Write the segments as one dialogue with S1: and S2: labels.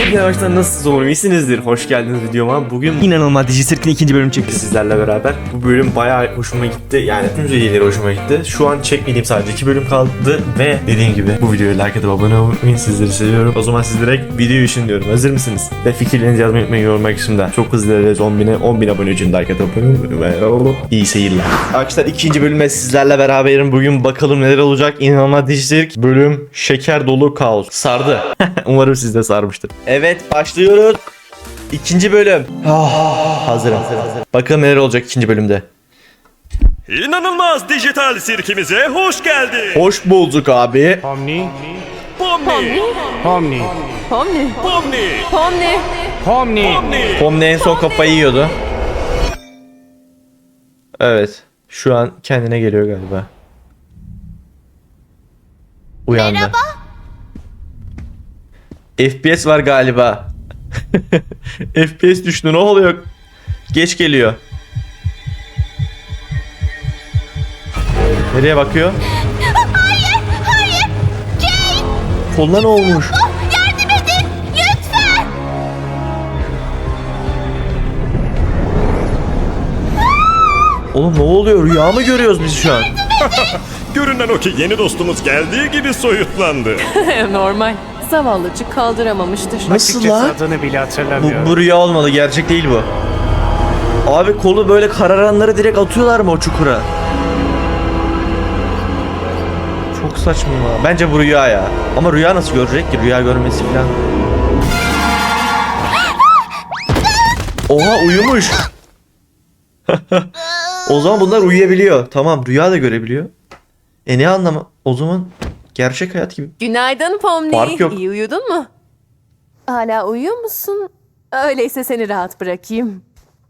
S1: Hepinize baştan nasılsınız umarım iyisinizdir. Hoş geldiniz videoma. Bugün inanılmaz Digicirc'in ikinci bölümü çekti sizlerle beraber. Bu bölüm bayağı hoşuma gitti. Yani tüm serileri hoşuma gitti. Şu an çekmediğim sadece 2 bölüm kaldı ve dediğim gibi bu videoyu like atıp abone olmayı sizleri seviyorum. O zaman siz direkt video için diyorum. Hazır mısınız? Ve fikirlerinizi yazmayı unutmayın yorum kısmında. Çok hızlı ilerleriz 10.000 abone için like atıp abone olmayı. İyi seyirler. Arkadaşlar ikinci bölüme sizlerle beraberim. Bugün bakalım neler olacak. İnanılmaz Digicirc bölüm şeker dolu kaos. Sardı. Umarım siz de sarmıştır. Evet başlıyoruz. İkinci bölüm. Hazırım. Bakalım neler olacak ikinci bölümde.
S2: İnanılmaz dijital sirkimize hoş geldin.
S1: Hoş bulduk abi.
S3: Pomni,
S2: Pomni,
S3: Pomni,
S4: Pomni.
S2: Pomni,
S4: Pomni.
S3: Pomni.
S2: Pomni.
S1: Pomni en son kafayı yiyordu. Evet. Şu an kendine geliyor galiba. Uyandı. Merhaba. FPS var galiba. FPS düştü, ne oluyor? Geç geliyor. Nereye bakıyor?
S5: Hayır, Jane!
S1: Koluna ne olmuş?
S5: Yardım edin, lütfen!
S1: Oğlum ne oluyor? Rüya mı görüyoruz biz şu an?
S2: Görünen o ki yeni dostumuz geldiği gibi soyutlandı.
S4: Normal. Zavallıcık kaldıramamıştır.
S1: Nasıl
S3: Açıkçası
S1: lan?
S3: adını bile hatırlamıyorum.
S1: Bu rüya olmalı, gerçek değil bu. Abi kolu böyle kararanları direkt atıyorlar mı o çukura? Çok saçma ya. Bence bu rüya ya. Ama rüya nasıl görecek ki? Rüya görmesi falan. Oha uyumuş. O zaman bunlar uyuyabiliyor. Tamam rüya da görebiliyor. Ne anlamı? O zaman gerçek hayat gibi.
S4: Günaydın Pomni.
S1: Fark yok.
S4: İyi uyudun mu? Hala uyuyor musun? Öyleyse seni rahat bırakayım.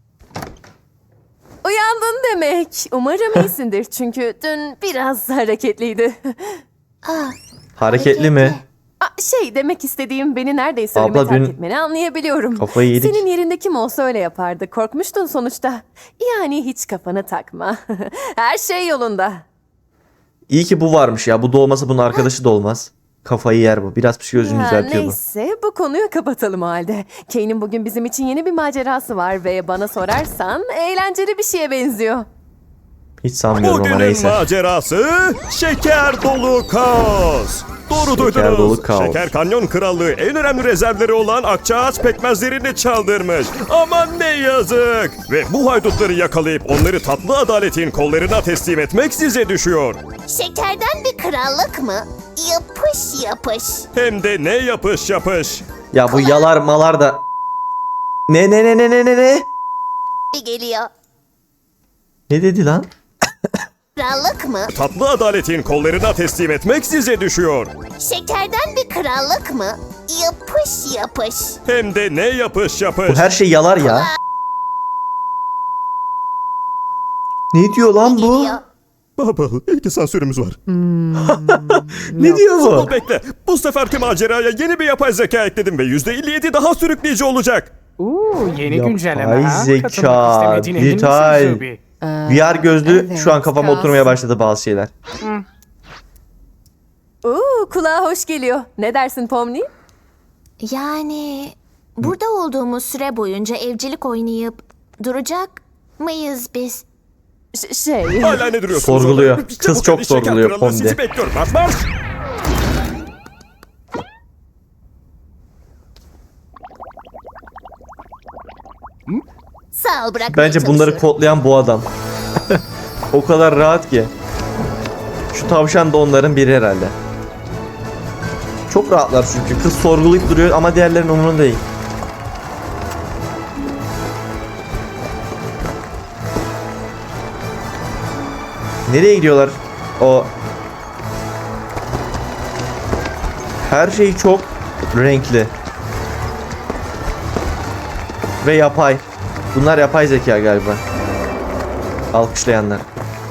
S4: Uyandın demek. Umarım iyisindir çünkü dün biraz hareketliydi.
S1: Hareketli mi?
S4: Demek istediğim beni neredeyse
S1: Abla,
S4: ölüme terk
S1: dün
S4: etmeni anlayabiliyorum.
S1: kafayı yedik.
S4: Senin yerinde kim olsa öyle yapardı. Korkmuştun sonuçta. Yani hiç kafanı takma. Her şey yolunda.
S1: İyi ki bu varmış ya. Bu da olmasa bunun arkadaşı da olmaz. Kafayı yer bu. Biraz psikolojini düzeltiyor bu.
S4: Neyse bu konuyu kapatalım o halde. Kane'in bugün bizim için yeni bir macerası var ve bana sorarsan eğlenceli bir şeye benziyor.
S1: Hiç sanmıyorum ama
S2: Bugünün
S1: neyse.
S2: macerası şeker dolu kaos. Doğru duydunuz.
S1: dolu kaos.
S2: Şeker Kanyon Krallığı en önemli rezervleri olan akçaağaç pekmezlerini çaldırmış. Aman ne yazık. Ve bu haydutları yakalayıp onları tatlı adaletin kollarına teslim etmek size düşüyor.
S5: Şekerden bir krallık mı? Yapış yapış.
S2: Hem de ne yapış yapış.
S1: Ya bu yalar malar da... Ne?
S5: Bir geliyor.
S1: Ne dedi lan?
S5: Krallık mı?
S2: Tatlı adaletin kollarına teslim etmek size düşüyor.
S5: Şekerden bir krallık mı? Yapış yapış.
S2: Hem de ne yapış yapış.
S1: Bu her şey yalar ya. Ne diyor lan bu?
S5: Geliyor.
S2: Baba, ilk sansürümüz var.
S1: Ne diyor bu?
S2: Dur bekle. Bu seferki maceraya yeni bir yapay zeka ekledim ve %57 daha sürükleyici olacak.
S3: Yeni
S1: Yapay
S3: güncelleme ha?
S1: zeka,
S3: Katılmak istemediğine emin misin
S1: dijital.
S3: Zubi?
S1: VR gözlü
S4: Evet,
S1: şu an kafama
S4: kalsın.
S1: oturmaya başladı bazı şeyler.
S4: Kulağa hoş geliyor. Ne dersin Pomni?
S5: Yani burada olduğumuz süre boyunca evcilik oynayıp duracak mıyız biz?
S2: Hala ne duruyorsunuz?
S1: Sorguluyor.
S2: orada?
S1: Kız
S2: Çabuk
S1: çok
S2: hadi, şeker
S1: sorguluyor,
S2: kralı
S1: Pomni.
S2: Sizi bekliyorum. Marş marş.
S5: Sağ ol bırakmaya
S1: Bence bunları
S5: çalışıyorum.
S1: kodlayan bu adam. O kadar rahat ki. Şu tavşan da onların biri herhalde. Çok rahatlar çünkü. Kız sorgulayıp duruyor ama diğerlerinin umurunda değil. Nereye gidiyorlar? O her şey çok renkli ve yapay. Bunlar yapay zeka galiba. Alkışlayanlar.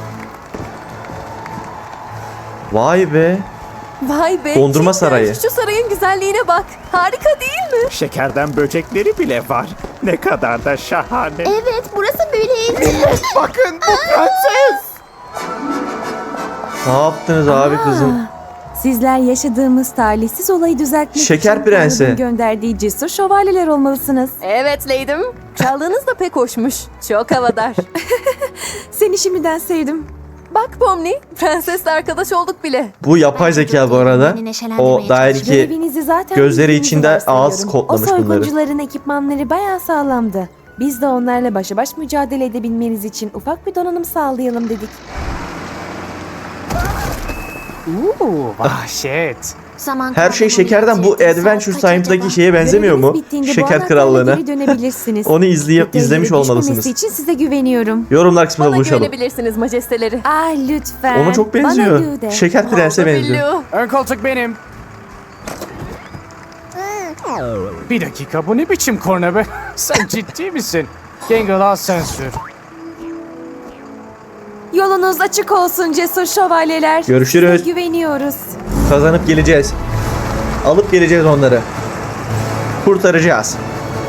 S1: Vay be.
S4: Vay be.
S1: Dondurma
S4: cidden
S1: sarayı.
S4: Şu sarayın güzelliğine bak. Harika değil mi?
S6: Şekerden böcekleri bile var. Ne kadar da şahane.
S5: Evet burası böyle.
S6: Bakın bu prenses.
S1: Ne yaptınız abi kızım?
S7: Sizler yaşadığımız talihsiz olayı düzeltmek
S1: Şeker
S7: için
S1: Prensi.
S7: Tanrı'nın gönderdiği cesur şövalyeler olmalısınız.
S4: Evet Leydim. Çaldığınız da pek hoşmuş. Çok havadar.
S7: Seni şimdiden sevdim.
S4: Bak Pomni, prensesle arkadaş olduk bile.
S1: Bu yapay zeka bu arada. O dair ki
S7: Görevinizi zaten
S1: gözleri
S7: bildiğinizi
S1: içinde ağız
S7: varsayıyorum.
S1: kodlamış
S7: O
S1: bunları.
S7: soyguncuların ekipmanları bayağı sağlamdı. Biz de onlarla başa baş mücadele edebilmeniz için ufak bir donanım sağlayalım dedik.
S3: Vahşet.
S1: Her şey şekerden, bu Adventure Time'daki şeye benzemiyor mu?
S7: Göreviniz bittiğinde bu
S1: Şeker
S7: anahtarla
S1: Krallığı'na.
S7: geri dönebilirsiniz.
S1: Onu izlemiş
S7: Detaylara düşmemesi
S1: olmalısınız.
S7: için size güveniyorum.
S1: Yorumlar kısmında
S4: Bana
S1: buluşalım.
S4: güvenebilirsiniz majesteleri.
S7: Ah lütfen.
S1: Ona çok
S7: Bana
S1: benziyor.
S7: Lou de.
S1: Şeker Prens'e
S4: Oldu
S1: benziyor.
S4: Billu.
S3: Ön koltuk benim. Bir dakika, bu ne biçim korna be? Sen ciddi misin? Gangle, al sen sür.
S7: Yolunuz açık olsun cesur şövalyeler.
S1: Görüşürüz.
S7: Size güveniyoruz.
S1: Kazanıp geleceğiz. Alıp geleceğiz onları. Kurtaracağız.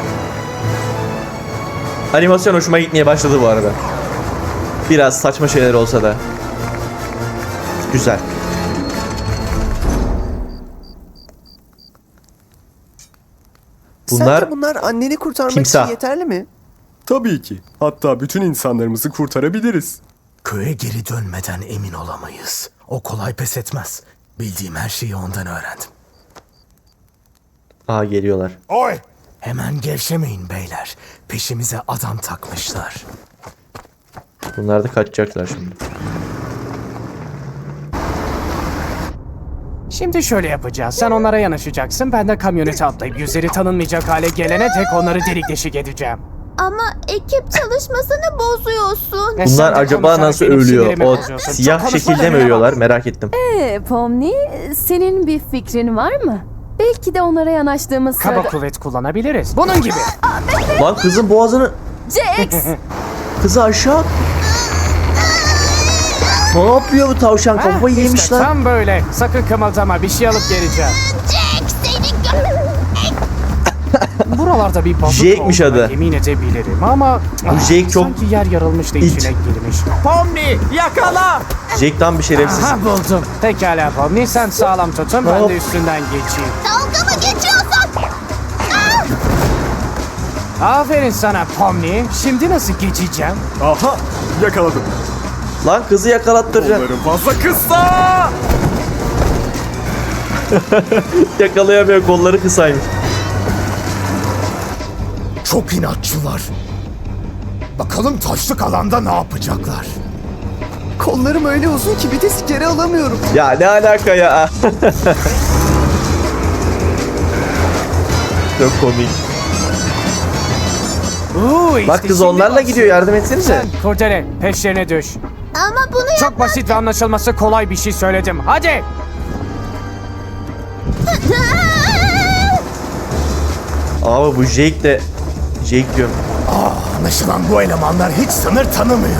S1: Animasyon hoşuma gitmeye başladı bu arada. Biraz saçma şeyler olsa da. Güzel. Bunlar
S8: Sence bunlar anneni kurtarmak
S1: timsah.
S8: için yeterli mi?
S9: Tabii ki. Hatta bütün insanlarımızı kurtarabiliriz.
S10: Köye geri dönmeden emin olamayız. O kolay pes etmez. Bildiğim her şeyi ondan öğrendim.
S1: Aa, geliyorlar.
S2: Oy!
S10: Hemen gevşemeyin beyler. Peşimize adam takmışlar.
S1: Bunlar da kaçacaklar şimdi.
S3: Şimdi şöyle yapacağız. Sen onlara yanaşacaksın. Ben de kamyonete atlayıp yüzleri tanınmayacak hale gelene dek onları delik deşik edeceğim.
S5: Ama ekip çalışmasını bozuyorsun.
S3: Ve sen
S1: Bunlar
S3: de
S1: acaba
S3: konuşarak
S1: nasıl
S3: benim
S1: ölüyor?
S3: sinirimi
S1: O
S3: bozuyorsun.
S1: siyah
S3: Çok konuşma
S1: şekilde mi
S3: da
S1: ölüyorlar? Merak ettim.
S4: Pomni, senin bir fikrin var mı? Belki de onlara yanaştığımız
S3: Kaba
S4: sırada...
S3: kuvvet kullanabiliriz. Bunun gibi.
S1: Lan kızın boğazını...
S4: Jax!
S1: Kızı aşağı... Ne yapıyor bu tavşan? Kafayı
S3: Heh,
S1: yemiş
S3: işte
S1: lan.
S3: tam böyle. Sakın kımıldama. Bir şey alıp geleceğim.
S5: Jack seni
S3: Buralarda bir balık
S1: Jake'miş
S3: olduğuna
S1: adı.
S3: yemin edebilirim ama...
S1: Jake çok
S3: Sanki yer yarılmış da
S1: it.
S3: içine girmiş.
S6: Pomni yakala!
S1: Jake tam bir şerefsiz.
S3: Aha buldum. Pekala Pomni, sen sağlam tutun, ben
S1: Hop.
S3: de üstünden geçeyim.
S5: dalga mı geçiyorsun?
S3: Aferin sana Pomni. Şimdi nasıl geçeceğim?
S9: Aha! Yakaladım.
S1: Lan kızı yakalattıracaksın.
S9: Onların fazla kısa!
S1: Yakalayamıyor, kolları kısaymış.
S10: Çok inatçılar. Bakalım taşlık alanda ne yapacaklar?
S8: Kollarım öyle uzun ki bir de geri alamıyorum.
S1: Ya ne alaka ya? Çok komik.
S3: İşte
S1: Bak kız
S3: şimdi
S1: onlarla
S3: başlıyor.
S1: gidiyor, yardım etsenize.
S3: Sen kurdele peşlerine düş.
S5: Ama bunu
S3: Çok basit ve anlaşılması kolay bir şey söyledim. Hadi.
S1: Ama bu Jake de... Jake diyorum.
S10: Anlaşılan bu elemanlar hiç sınır tanımıyor.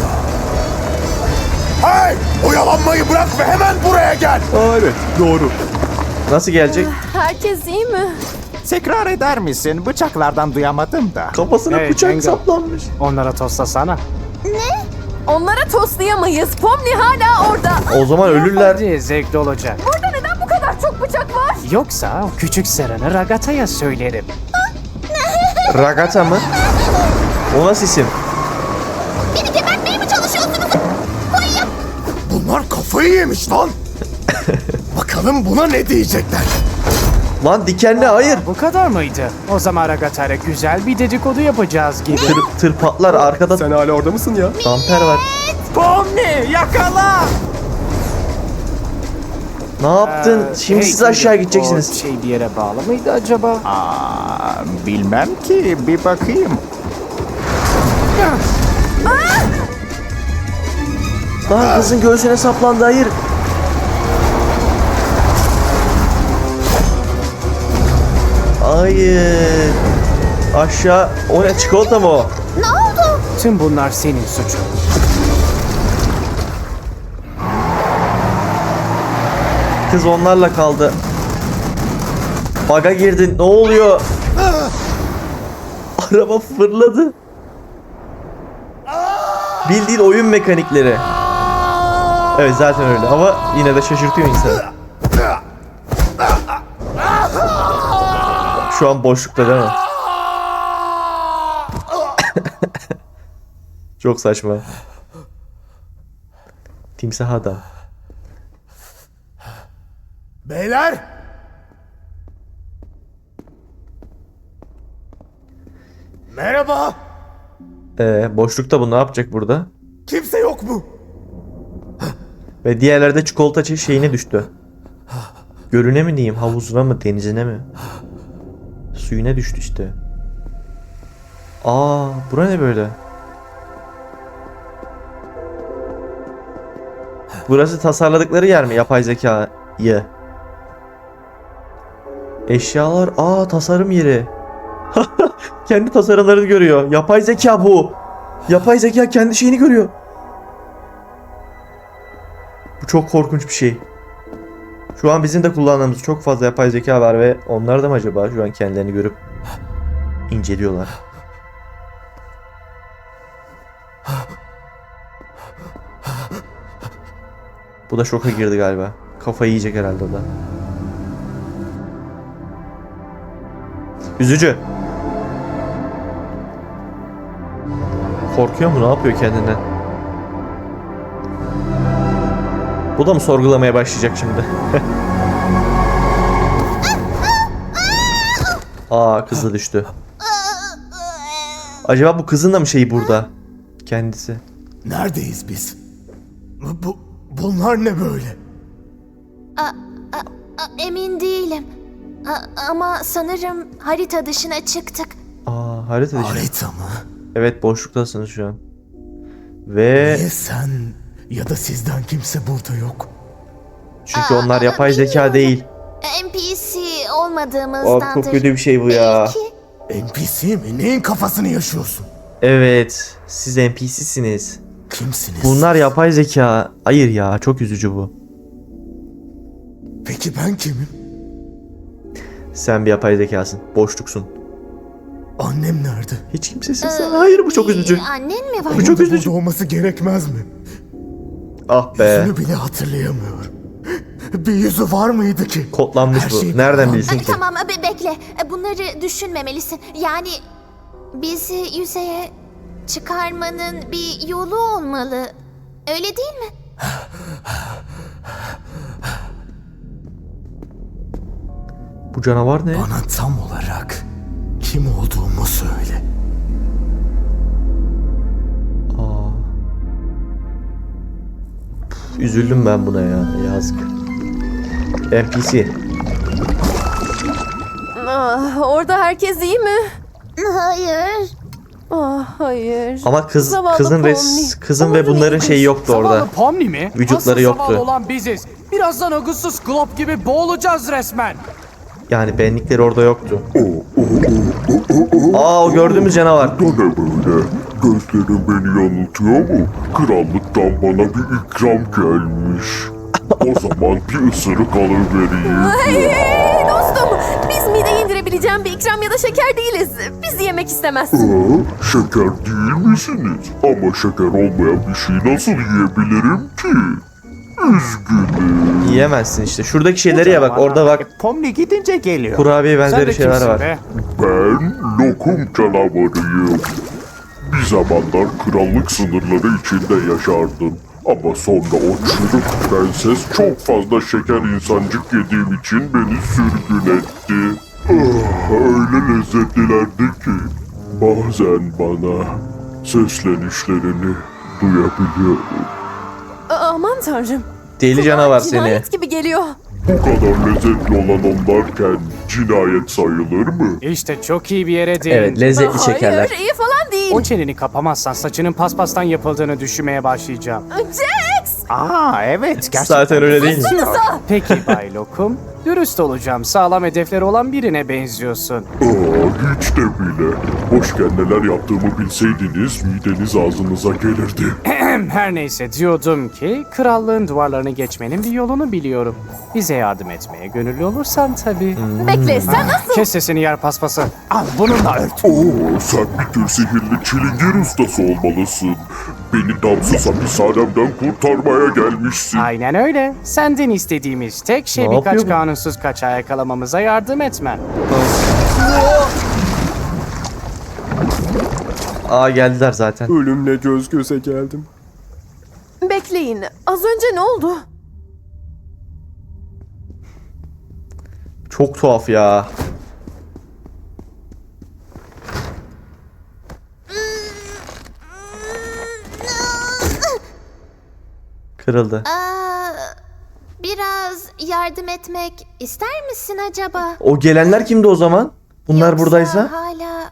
S10: Hey! Oyalanmayı bırak ve hemen buraya gel.
S9: Aa, evet, doğru.
S1: Nasıl gelecek?
S4: Herkes iyi mi?
S6: Tekrar eder misin? Bıçaklardan duyamadım da.
S1: Kafasına
S3: Hey,
S1: bıçak
S3: Cengo.
S1: saplanmış.
S3: Onlara toslasana.
S4: Onlara toslayamayız. Pomni hala orada.
S1: O zaman ölürler.
S3: Hadi zevkli olacak.
S4: Burada neden bu kadar çok bıçak var?
S3: Yoksa o küçük Seren'i Ragata'ya söylerim.
S1: Ragata mı? O nasıl isim?
S5: beni gebertmeye mi çalışıyorsunuz? Koyayım.
S10: Bunlar kafayı yemiş lan. Bakalım buna ne diyecekler.
S1: Lan dikenli, hayır.
S3: Bu kadar mıydı? O zaman Ragata'yla güzel bir dedikodu yapacağız gibi.
S1: Tır patlar, arkada
S9: Sen hala orada mısın ya?
S1: damper var.
S6: Pomni yakala!
S1: Ne yaptın? Şimdi siz aşağı gideceksiniz.
S3: O şey bir yere bağlı mıydı acaba?
S6: Bilmem ki, bir bakayım.
S1: Lan kızın göğsüne saplandı, hayır. Hayır. Aşağı. O ne, çikolata mı o?
S5: Ne oldu?
S3: Tüm bunlar senin suçun.
S1: Kız onlarla kaldı. Baga girdin. Ne oluyor? Araba fırladı. Bildiğin oyun mekanikleri. Evet zaten öyle ama yine de şaşırtıyor insanı. Şu an boşlukta değil mi? Çok saçma. Timsah adam.
S10: Beyler! Merhaba!
S1: Boşlukta bu ne yapacak burada?
S10: Kimse yok mu?
S1: Ve diğerleri de çikolata şeyine düştü. Gölüne mi diyeyim, havuzuna mı, denizine mi? Suyuna düştü işte. Aa, bura ne böyle? Burası tasarladıkları yer mi, yapay zekayı? Eşyalar, tasarım yeri. Kendi tasarımlarını görüyor. Yapay zeka bu. Yapay zeka kendi şeyini görüyor. Bu çok korkunç bir şey. Şu an bizim de kullandığımız çok fazla yapay zeka var ve onlar da mı acaba şu an kendilerini görüp inceliyorlar? Bu da şoka girdi galiba. Kafayı yiyecek herhalde o da. Üzücü. Korkuyor mu? Ne yapıyor kendinden? Bu da mı sorgulamaya başlayacak şimdi? Kızı düştü. Acaba bu kızın da mı şeyi burada? Kendisi.
S10: Neredeyiz biz? Bunlar ne böyle?
S5: Emin değilim. Ama sanırım harita dışına çıktık.
S1: Harita dışı.
S10: Harita mı?
S1: Evet, boşluktasınız şu an. Ve
S10: Niye sen ya da sizden kimse burada yok?
S1: çünkü onlar yapay zeka değil.
S5: NPC olmadığımızdandır.
S1: Çok kötü bir şey bu ya.
S5: Belki.
S10: NPC mi? Neyin kafasını yaşıyorsun?
S1: Evet, siz NPC'siniz.
S10: Kimsiniz?
S1: Bunlar yapay zeka. Hayır ya, çok üzücü bu.
S10: Peki ben kimim?
S1: Sen bir yapay zekasın. Boşluksun.
S10: Annem nerede?
S1: Hiç kimsesin sen. Hayır, bu çok üzücü.
S5: Annen mi var?
S1: Bu çok üzücü.
S10: Burada olması gerekmez mi?
S1: Ah be.
S10: Yüzünü bile hatırlayamıyorum. Bir yüzü var mıydı ki?
S1: Kodlanmış
S10: Her
S1: bu.
S10: şey
S1: Nereden
S10: kodlanmış.
S1: bilsin ki?
S5: Tamam bekle. Bunları düşünmemelisin. Yani bizi yüzeye çıkarmanın bir yolu olmalı. Öyle değil mi?
S1: Bu canavar ne?
S10: Bana tam olarak kim olduğumu söyle.
S1: Üzüldüm ben buna ya. Yazık. NPC.
S4: Orada herkes iyi mi?
S5: Hayır.
S4: Hayır.
S1: Ama
S4: Zavallı
S1: kızın
S4: Pomni.
S1: kızın ve bunların şeyi yoktu orada.
S3: Zavallı Pomni mi?
S1: Vücutları
S3: Asıl
S1: yoktu.
S3: zavallı olan biziz. Birazdan Augustus Glob gibi boğulacağız resmen.
S1: Yani benlikleri orada yoktu. O gördüğümüz canavar.
S11: Bu ne böyle? Gözlerim beni yanıltıyor mu? Krallıktan bana bir ikram gelmiş. O zaman bir ısırık alıvereyim.
S4: Hey dostum, biz mideye indirebileceğim bir ikram ya da şeker değiliz. Bizi yemek istemezsin.
S11: Şeker değil misiniz? Ama şeker olmayan bir şey nasıl yiyebilirim ki? Üzgünüm.
S1: Yiyemezsin işte. Şuradaki şeyleri ye bak. Orada bak.
S6: Pomni gidince geliyor.
S1: Kurabiye
S3: Sen
S1: benzeri
S3: de
S1: şeyler
S3: kimsin
S1: var.
S3: be?
S11: Ben lokum canavarıyım. Bir zamanlar krallık sınırları içinde yaşardım. Ama sonra o çürük prenses çok fazla şeker insancık yediğim için beni sürgün etti. Öyle lezzetlilerdi ki bazen bana seslenişlerini duyabiliyorum.
S4: Aman tanrım.
S1: Deli canavar seni.
S4: Cinayet gibi geliyor.
S11: Bu kadar lezzetli olan onlarken cinayet sayılır mı?
S3: İşte çok iyi bir yere değindin.
S1: Evet, lezzetli şekerler.
S4: Hayır, iyi falan değil.
S3: O çeneni kapamazsan saçının paspastan yapıldığını düşünmeye başlayacağım.
S4: Jax!
S6: Evet gerçekten.
S1: Zaten öyle değil mi?
S3: Peki Bay Lokum, dürüst olacağım. Sağlam hedefleri olan birine benziyorsun.
S11: Hiç de bile. Hoşken neler yaptığımı bilseydiniz mideniz ağzınıza gelirdi.
S3: Her neyse diyordum ki krallığın duvarlarını geçmenin bir yolunu biliyorum. Bize yardım etmeye gönüllü olursan tabii.
S4: Bekle, sen nasıl?
S3: Kes sesini yer paspası. Al bununla ört.
S11: Sen bir tür sihirli çilingir ustası olmalısın. Beni damsız hapishanemden kurtarmaya gelmişsin.
S3: Aynen öyle. Senden istediğimiz tek şey
S1: Ne
S3: birkaç
S1: yapıyor bu?
S3: kanunsuz kaçağı yakalamamıza yardım etmen.
S1: Aa geldiler zaten.
S9: Ölümle göz göze geldim.
S4: Bekleyin. Az önce ne oldu?
S1: Çok tuhaf ya. Kırıldı.
S5: Biraz yardım etmek ister misin acaba?
S1: O gelenler kimdi o zaman? Bunlar
S5: Yoksa
S1: buradaysa?
S5: hala...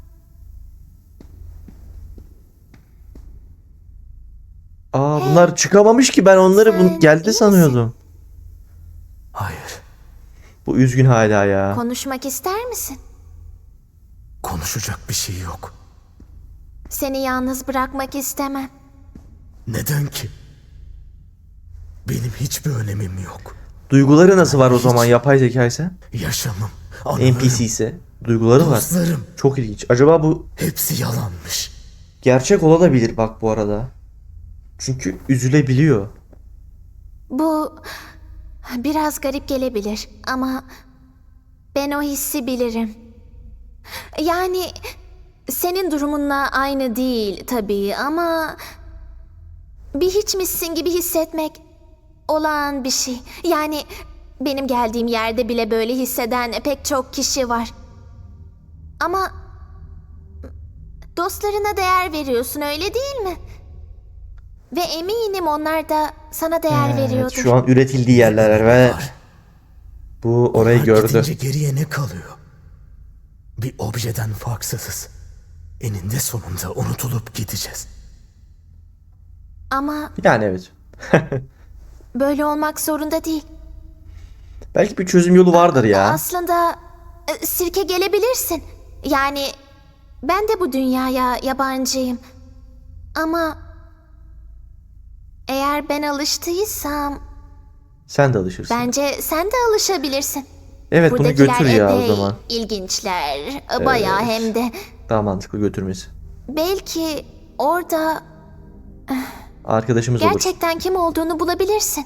S1: Aa bunlar çıkamamış ki, ben onları
S5: Sen
S1: geldi
S5: iyi
S1: sanıyordum.
S10: Hayır,
S1: Bu üzgün hala ya.
S5: Konuşmak ister misin?
S10: konuşacak bir şey yok.
S5: Seni yalnız bırakmak istemem.
S10: Neden ki? Benim hiçbir önemim yok.
S1: Duyguları nasıl var o zaman yapay zeka ise?
S10: Yaşamım, anılarım,
S1: NPC ise duyguları var.
S10: dostlarım
S1: Çok ilginç. Acaba bu
S10: hepsi yalanmış.
S1: gerçek olabilir bak bu arada. Çünkü üzülebiliyor.
S5: Bu biraz garip gelebilir ama ben o hissi bilirim. Yani senin durumunla aynı değil tabii ama bir hiçmişsin gibi hissetmek olağan bir şey. Yani benim geldiğim yerde bile böyle hisseden pek çok kişi var. Ama dostlarına değer veriyorsun, öyle değil mi? Ve eminim onlar da sana değer
S1: Evet,
S5: veriyordur.
S1: şu an üretildiği yerler ve bu orayı
S10: Onlar
S1: gördü.
S10: gidince geriye ne kalıyor? Bir objeden farksızız. Eninde sonunda unutulup gideceğiz.
S5: Ama
S1: Yani evet.
S5: böyle olmak zorunda değil.
S1: Belki bir çözüm yolu vardır ya.
S5: Aslında sirke gelebilirsin. Yani ben de bu dünyaya yabancıyım. Ama eğer ben alıştıysam
S1: Sen de alışırsın.
S5: bence sen de alışabilirsin.
S1: Evet bunu
S5: Buradakiler
S1: götür ya o
S5: epey
S1: zaman.
S5: ilginçler. Bayağı hem de.
S1: Daha mantıklı götürmesi.
S5: Belki orada
S1: Arkadaşımız olur.
S5: gerçekten kim olduğunu bulabilirsin.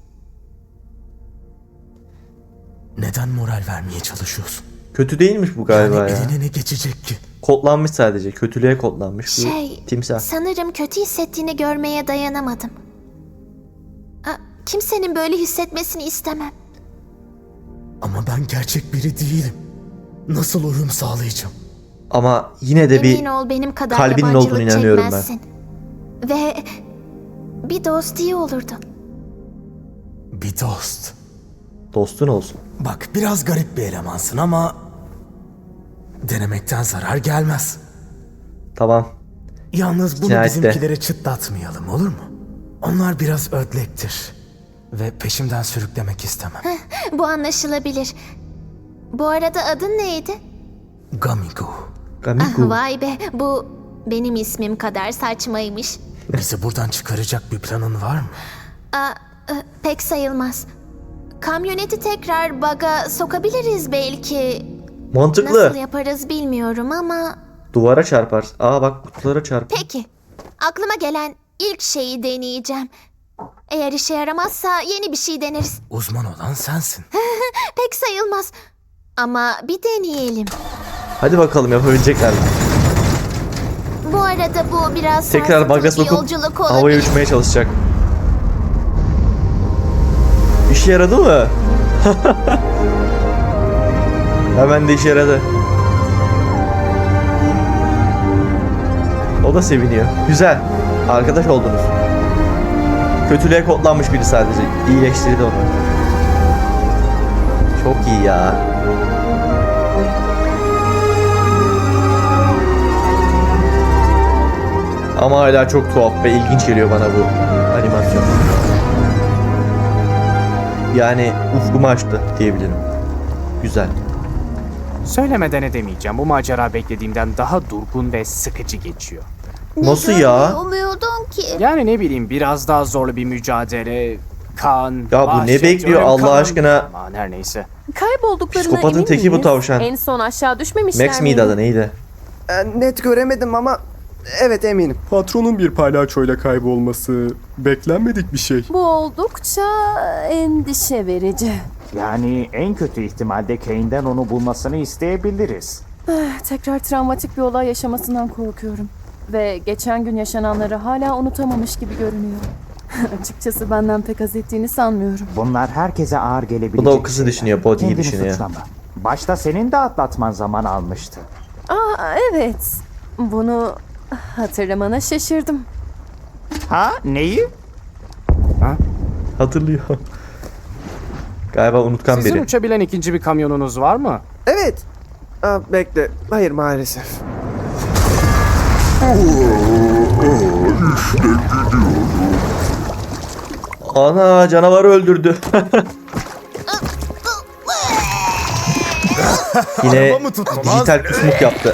S10: Neden moral vermeye çalışıyorsun?
S1: Kötü değilmiş bu galiba
S10: Yani
S1: ya.
S10: eline ne geçecek ki?
S1: Kodlanmış sadece. Kötülüğe kodlanmış
S5: Şey,
S1: bir timsah.
S5: sanırım kötü hissettiğini görmeye dayanamadım. Kimsenin böyle hissetmesini istemem.
S10: Ama ben gerçek biri değilim. Nasıl uyum sağlayacağım?
S1: Ama yine de
S5: Emin
S1: bir
S5: ol benim kadar
S1: kalbinin
S5: yabancılık
S1: olduğunu inanıyorum ben.
S5: çekmezsin. Ve bir dost iyi olurdu.
S10: Bir dost.
S1: dostun olsun.
S10: Bak biraz garip bir elemansın ama denemekten zarar gelmez.
S1: Tamam.
S10: Yalnız bunu
S1: Cinayette.
S10: bizimkilere çıtlatmayalım, olur mu? Onlar biraz ödlektir ve peşimden sürüklemek istemem.
S5: Bu anlaşılabilir. Bu arada adın neydi?
S10: Gamigo,
S1: Gamiku.
S5: Vay be, bu benim ismim kadar saçmaymış.
S10: bizi buradan çıkaracak bir planın var mı?
S5: Pek sayılmaz. Kamyoneti tekrar baga sokabiliriz belki.
S1: Mantıklı.
S5: Nasıl yaparız bilmiyorum ama...
S1: Duvara çarpar. Aa bak kutulara çarp.
S5: Peki, aklıma gelen ilk şeyi deneyeceğim. Eğer işe yaramazsa yeni bir şey deneriz.
S10: Uzman olan sensin.
S5: Pek sayılmaz. Ama bir deneyelim.
S1: Hadi bakalım yapabilecekler mi?
S5: Bu arada bu biraz
S1: Tekrar
S5: sarsıntılı
S1: baga
S5: bir
S1: sokup
S5: yolculuk
S1: havaya
S5: olabilir.
S1: uçmaya çalışacak. İşe yaradı mı? Hemen de işe yaradı. O da seviniyor. Güzel. Arkadaş oldunuz. Kötülüğe kodlanmış biri sadece. İyileştirdi onu. Çok iyi ya. Ama hala çok tuhaf ve ilginç geliyor bana bu animasyon. Yani ufkumu açtı diyebilirim. Güzel.
S3: Söylemeden edemeyeceğim. Bu macera beklediğimden daha durgun ve sıkıcı geçiyor.
S1: Nasıl ya?
S5: Umuyordum ki.
S3: Yani ne bileyim biraz daha zorlu bir mücadele, kan,
S1: Ya bu ne
S3: vahşet,
S1: bekliyor
S3: ölüm,
S1: Allah
S3: kan.
S1: aşkına?
S3: Aman her neyse.
S4: Kaybolduklarına
S1: Psikopatın
S4: emin
S1: teki bu
S4: miyiz?
S1: tavşan.
S4: En son aşağı düşmemişler
S1: Max miydi adı neydi?
S8: Net göremedim ama evet eminim.
S9: Patronun bir palyaçoyla kaybolması beklenmedik bir şey.
S4: Bu oldukça endişe verici.
S6: Yani en kötü ihtimalde Kane'den onu bulmasını isteyebiliriz.
S4: Tekrar travmatik bir olay yaşamasından korkuyorum. Ve geçen gün yaşananları hala unutamamış gibi görünüyor. Açıkçası benden pek haz ettiğini sanmıyorum.
S6: Bunlar herkese ağır gelebilecek.
S1: Bu da o kızı düşünüyor, Body'yi
S6: Kendini
S1: düşünüyor.
S6: suçlama. Başta senin de atlatman zaman almıştı.
S4: Evet. Bunu hatırlamana şaşırdım.
S6: Ha? Neyi?
S1: Hatırlıyor. Galiba unutkan
S3: Sizin
S1: biri.
S3: uçabilen ikinci bir kamyonunuz var mı?
S8: Evet. Bekle. Hayır maalesef.
S1: Ana, canavarı öldürdü. Yine dijital kusmuk yaptı.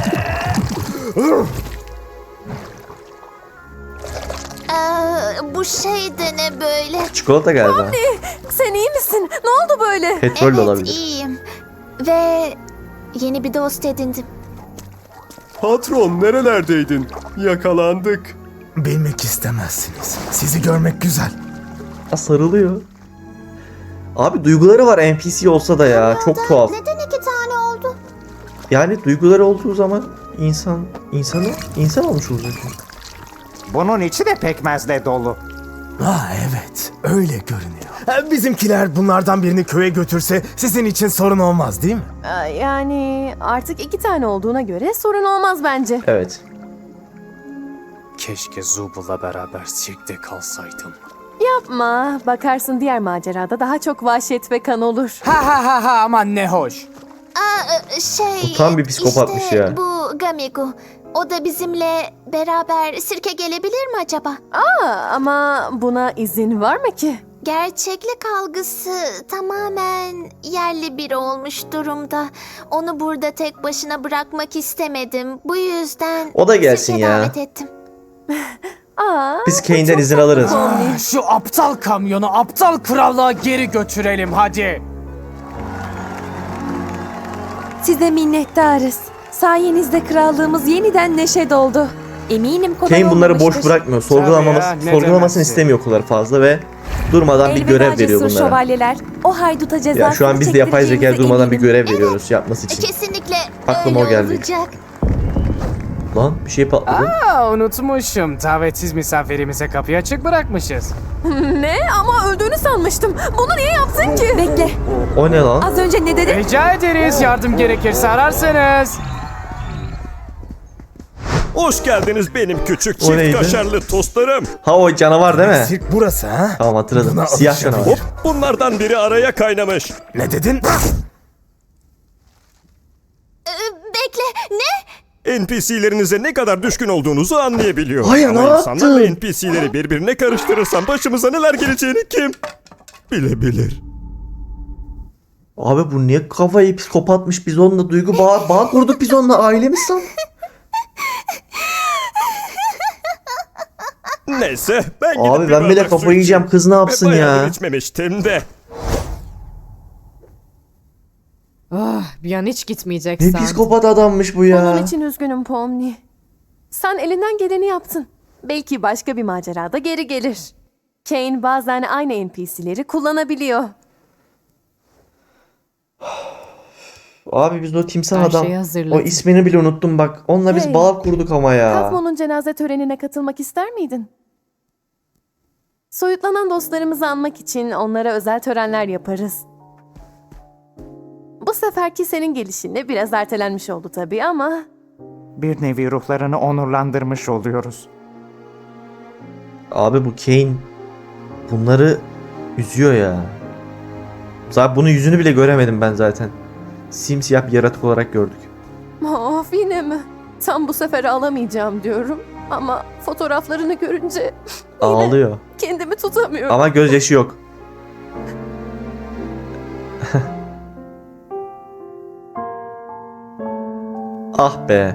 S5: Bu şey de ne böyle?
S1: Çikolata galiba.
S4: Sen iyi misin? Ne oldu böyle?
S1: Petrol de
S5: Evet,
S1: olabilir.
S5: iyiyim. Ve yeni bir dost edindim.
S9: Patron nerelerdeydin? Yakalandık.
S10: Bilmek istemezsiniz. Sizi görmek güzel.
S1: Ha, sarılıyor. Abi duyguları var NPC olsa da ya. Çok tuhaf.
S5: Neden 2 tane oldu?
S1: Yani duyguları olduğu zaman insan olmuş olacak.
S6: Bunun içi de pekmezle dolu.
S10: Evet, öyle görünüyor. Bizimkiler bunlardan birini köye götürse sizin için sorun olmaz değil mi?
S4: Yani artık 2 tane olduğuna göre sorun olmaz bence.
S1: Evet.
S3: Keşke Zubal'la beraber sirkte kalsaydım.
S4: Yapma. Bakarsın diğer macerada daha çok vahşet ve kan olur.
S3: Ha aman ne hoş.
S5: Şey...
S1: Bu tam bir psikopatmış
S5: işte
S1: ya.
S5: bu Gamigu. O da bizimle beraber sirke gelebilir mi acaba?
S4: Ama buna izin var mı ki?
S5: Gerçeklik algısı tamamen yerli biri olmuş durumda. Onu burada tek başına bırakmak istemedim. Bu yüzden
S1: O da gelsin
S5: sirke
S1: ya.
S5: davet ettim.
S1: Biz Kane'den izin alırız.
S3: Şu aptal kamyonu aptal krallığa geri götürelim hadi.
S7: Size minnettarız. Sayenizde krallığımız yeniden neşe doldu. Eminim kolay
S1: Kane bunları boş
S7: olmamıştır.
S1: bırakmıyor.
S3: Tabii ya, ne
S1: Sorgulamasını
S3: demezsin.
S1: istemiyor o kadar fazla ve durmadan bir
S7: Elveda
S1: görev veriyor
S7: cesur
S1: bunlara.
S7: şövalyeler. O hayduta cezasını
S1: Ya şu an biz de yapay zeka
S7: çektireceğimize
S1: durmadan bir
S7: eminim.
S1: görev veriyoruz yapması için.
S5: Kesinlikle
S1: Aklıma
S5: öyle
S1: o geldi.
S5: olacak.
S1: Lan bir şey patladı.
S3: Unutmuşum. Davetsiz misafirimize kapıyı açık bırakmışız.
S4: Ne? Ama öldüğünü sanmıştım. Bunu niye yaptın ki?
S7: Bekle.
S1: O ne lan?
S7: Az önce ne dedin?
S3: Rica ederiz. Yardım gerekirse ararsınız.
S2: Hoş geldiniz benim küçük
S1: O
S2: çift
S1: neydi?
S2: kaşarlı tostlarım.
S1: Ha, o canavar değil mi?
S10: Sirk burası ha?
S1: Tamam, hatırladım.
S10: Buna
S1: Siyah
S10: alışabilir.
S1: canavar.
S2: Hop, bunlardan biri araya kaynamış.
S10: Ne dedin?
S5: Bekle, ne?
S2: NPC'lerinize ne kadar düşkün olduğunuzu anlayabiliyorum.
S1: Hayır,
S2: Ama
S1: ne
S2: insanlarla
S1: yaptın?
S2: NPC'leri birbirine karıştırırsam başımıza neler geleceğini kim bilebilir?
S1: Abi bu niye kafayı psikopatmış, biz onunla duygu bağ kurduk, biz onunla ailemiz san.
S2: Neyse ben gidip
S1: Abi
S2: bir
S1: ben bile
S2: bardak su
S1: kafayı yiyeceğim,
S2: içeyim.
S1: kız ne yapsın
S2: Ve bayağıdır
S1: ya?
S2: içmemiştim de.
S12: Bir an hiç
S1: Ne
S12: gitmeyeceksin.
S1: psikopat adammış bu ya.
S4: Onun için üzgünüm Pomni. Sen elinden geleni yaptın. Belki başka bir macerada geri gelir. Kane bazen aynı NPC'leri kullanabiliyor.
S1: Abi biz o timsah
S12: Her
S1: adam,
S12: şeyi hazırladım.
S1: o ismini bile unuttum bak. Onunla biz
S4: Hey.
S1: bağ kurduk ama ya.
S4: Kazmo'nun cenaze törenine katılmak ister miydin? Soyutlanan dostlarımızı anmak için onlara özel törenler yaparız. Bu seferki senin gelişinle biraz ertelenmiş oldu tabii ama...
S6: Bir nevi ruhlarını onurlandırmış oluyoruz.
S1: Abi bu Kane bunları üzüyor ya. Zaten bunun yüzünü bile göremedim ben zaten. Simsiyah bir yaratık olarak gördük.
S4: Of, yine mi? Tam bu sefer alamayacağım diyorum. Ama fotoğraflarını görünce
S1: Ağlıyor.
S4: kendimi tutamıyorum.
S1: Ama gözyaşı yok. Ah be.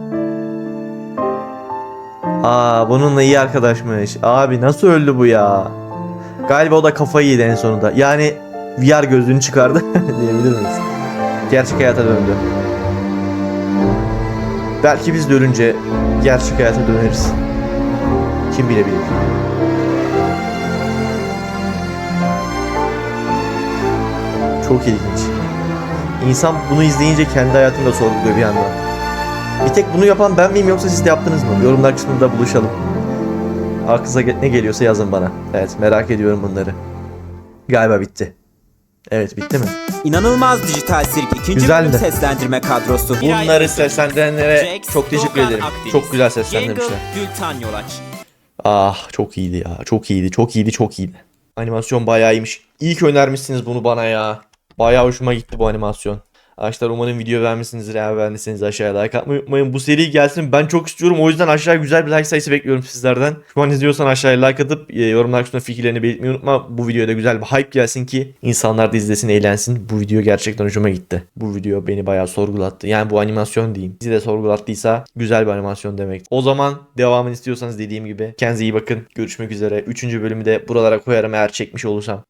S1: Bununla iyi arkadaşmış. Abi nasıl öldü bu ya? Galiba o da kafayı yedi en sonunda. Yani VR gözlüğünü çıkardı diyebilir miyiz? Gerçek hayata döndü. Belki biz de ölünce gerçek hayata döneriz. Kim bilebilir? Çok ilginç. İnsan bunu izleyince kendi hayatını da sorguluyor bir yandan. Bir tek bunu yapan ben miyim yoksa siz de yaptınız mı? Yorumlar kısmında buluşalım. Aklınıza ne geliyorsa yazın bana. Evet, merak ediyorum bunları. Galiba bitti. Evet, bitti mi?
S13: İnanılmaz Dijital Sirk 2.
S1: Güzeldi.
S13: bölüm seslendirme kadrosu.
S1: Bunları seslendirenlere çok teşekkür ederim. Çok güzel seslendirmişler.
S13: Gültan Yolaç.
S1: Ah, çok iyiydi ya. Çok iyiydi, çok iyiydi, çok iyiydi. Animasyon bayağı iyiymiş. İyi ki önermişsiniz bunu bana ya. Bayağı hoşuma gitti bu animasyon. Arkadaşlar umarım video beğenmişsinizdir. Eğer beğendiyseniz aşağıya like atmayı unutmayın. Bu seri gelsin. Ben çok istiyorum. O yüzden aşağıya güzel bir like sayısı bekliyorum sizlerden. Şu an izliyorsan aşağıya like atıp yorumlar kısmında fikirlerini belirtmeyi unutma. Bu videoya da güzel bir hype gelsin ki insanlar da izlesin, eğlensin. Bu video gerçekten hoşuma gitti. Bu video beni bayağı sorgulattı. Yani bu animasyon diyeyim. Sizi de sorgulattıysa güzel bir animasyon demek. O zaman devamını istiyorsanız dediğim gibi kendinize iyi bakın. Görüşmek üzere. 3. bölümü de buralara koyarım eğer çekmiş olursam.